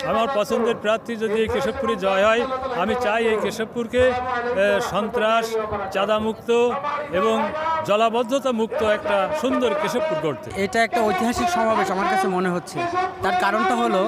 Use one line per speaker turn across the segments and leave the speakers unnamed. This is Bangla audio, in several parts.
আমার পছন্দের প্রার্থী যদি এই কেশবপুরে জয় হয়, আমি চাই এই কেশবপুরকে সন্ত্রাস, চাঁদামুক্ত এবং জলাবদ্ধতা মুক্ত একটা সুন্দর কেশবপুর করতে।
এটা একটা ঐতিহাসিক সমাবেশ আমার কাছে মনে হচ্ছে। তার কারণটা হলো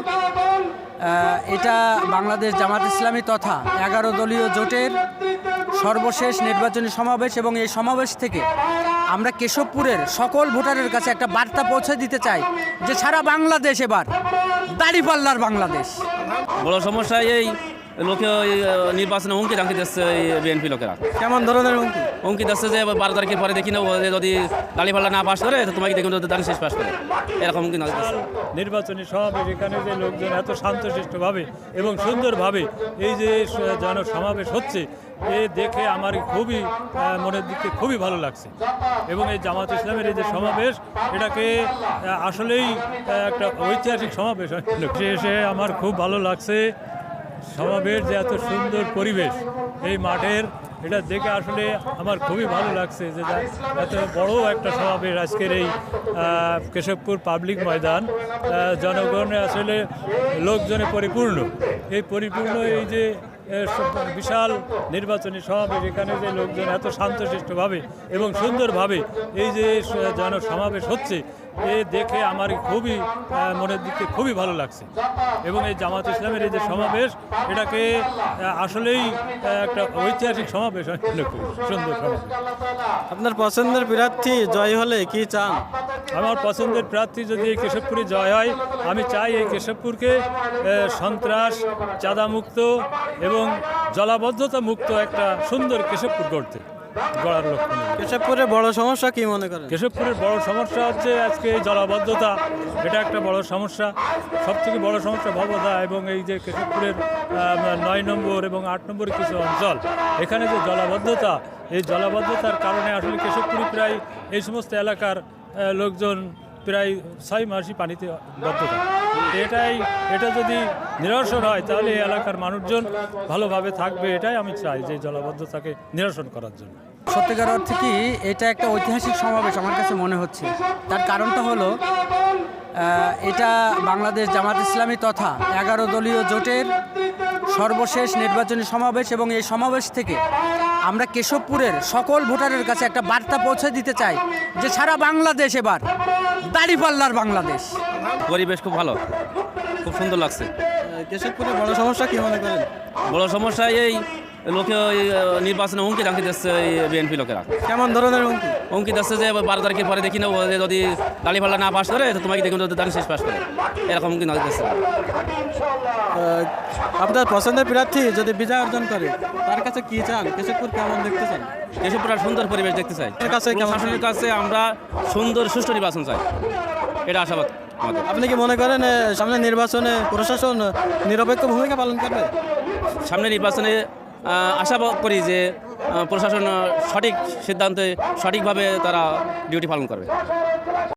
এটা বাংলাদেশ জামাত ইসলামী তথা 11 দলীয় জোটের সর্বশেষ নির্বাচনী সমাবেশ, এবং এই সমাবেশ থেকে আমরা কেশবপুরের সকল ভোটারের কাছে একটা বার্তা পৌঁছে দিতে চাই যে সারা বাংলাদেশ এবার দাড়িপাল্লার বাংলাদেশ।
বড় সমস্যা এই লোকে নির্বাচনে হুমকি ধামকি দিচ্ছে এই বিএনপি লোকেরা।
কেমন ধরনের হুমকি?
হুমকি দিচ্ছে যে 12 তারিখের পরে দেখি না যদি দাড়িপাল্লা না পাস করে তো তোমাকে দেখুন দাঁড়িয়ে শেষ পাস করে, এরকম হুমকি দিচ্ছে।
নির্বাচনী সমাবেশ, এখানে যে লোকজন এত শান্তশিষ্টভাবে এবং সুন্দরভাবে এই যে সমাবেশ হচ্ছে, এ দেখে আমার খুবই মনের দিকে খুবই ভালো লাগছে। এবং এই জামাত ইসলামের এই যে সমাবেশ, এটাকে আসলেই একটা ঐতিহাসিক সমাবেশ এসে আমার খুব ভালো লাগছে। সমাবেশ যে এত সুন্দর পরিবেশ এই মাঠের, এটা দেখে আসলে আমার খুবই ভালো লাগছে যে এত বড় একটা সমাবেশ আজকের এই কেশবপুর পাবলিক ময়দান। জনগণে আসলে লোকজনে পরিপূর্ণ। এই পরিপূর্ণ এই যে বিশাল নির্বাচনী সমাবেশ, এখানে যে লোকজন এত শান্তশিষ্টভাবে এবং সুন্দরভাবে এই যে সমাবেশ হচ্ছে, এ দেখে আমার খুবই মনের দিকে খুবই ভালো লাগছে। এবং এই জামাত ইসলামের এই যে সমাবেশ, এটাকে আসলেই একটা ঐতিহাসিক সমাবেশ, সুন্দর সমাবেশ।
আপনার পছন্দের প্রার্থী জয় হলে কি চান?
আমার পছন্দের প্রার্থী যদি এই কেশবপুরে জয় হয়, আমি চাই এই কেশবপুরকে সন্ত্রাস, চাঁদামুক্ত এবং জলাবদ্ধতা মুক্ত একটা সুন্দর কেশবপুর গড়ার লক্ষ্য।
কেশবপুরের বড় সমস্যা কি মনে করেন?
কেশবপুরের বড় সমস্যা হচ্ছে আজকে এই জলাবদ্ধতা, এটা একটা বড় সমস্যা। সবথেকে বড় সমস্যা ভবদা এবং এই যে কেশবপুরের 9 নম্বর এবং 8 নম্বরের কিছু অঞ্চল, এখানে যে জলাবদ্ধতা, এই জলাবদ্ধতার কারণে আসলে কেশবপুরে প্রায় এই সমস্ত এলাকার লোকজন প্রায় 6 মাসই পানিতে বদ্ধ থাকে। এটা যদি নিরসন হয়, তাহলে এই এলাকার মানুষজন ভালোভাবে থাকবে। এটাই আমি চাই, যে জলাবদ্ধতাকে নিরসন করার জন্য।
সত্যিকার অর্থে কি এটা একটা ঐতিহাসিক সমাবেশ আমার কাছে মনে হচ্ছে। তার কারণটা হলো এটা বাংলাদেশ জামাত ইসলামী তথা 11 দলীয় জোটের সর্বশেষ নির্বাচনী সমাবেশ, এবং এই সমাবেশ থেকে আমরা কেশবপুরের সকল ভোটারের কাছে একটা বার্তা পৌঁছে দিতে চাই যে সারা বাংলাদেশ এবার দাড়িপাল্লার বাংলাদেশ।
পরিবেশ খুব ভালো, খুব সুন্দর লাগছে।
কেশবপুরের বড় সমস্যা কি মনে করেন?
বড় সমস্যা এই লোকে নির্বাচনে হুমকি ধামকি দিচ্ছে এই বিএনপি লোকেরা।
কেমন ধরনের হুমকি?
হুমকি দিচ্ছে যে 12 তারিখের পরে দেখি না যদি দাড়িপাল্লা না পাস করে তো তোমাকে দেখুন দাঁড়িয়ে শেষ পাস করে, এরকম হুমকি দিচ্ছে।
আপনার পছন্দের প্রার্থী যদি বিজয় অর্জন করে, তার কাছে কি চান? কেশবপুর কেমন দেখতে চান?
কেশবপুর সুন্দর পরিবেশ দেখতে চাই। প্রশাসনের কাছে আমরা সুন্দর সুষ্ঠু নির্বাচন চাই, এটা আশাবাদ আমাদের।
আপনি কি মনে করেন সামনে নির্বাচনে প্রশাসন নিরপেক্ষ ভূমিকা পালন করবে?
সামনে নির্বাচনে আশা করি যে প্রশাসন সঠিক সিদ্ধান্তে সঠিকভাবে তারা ডিউটি পালন করবে।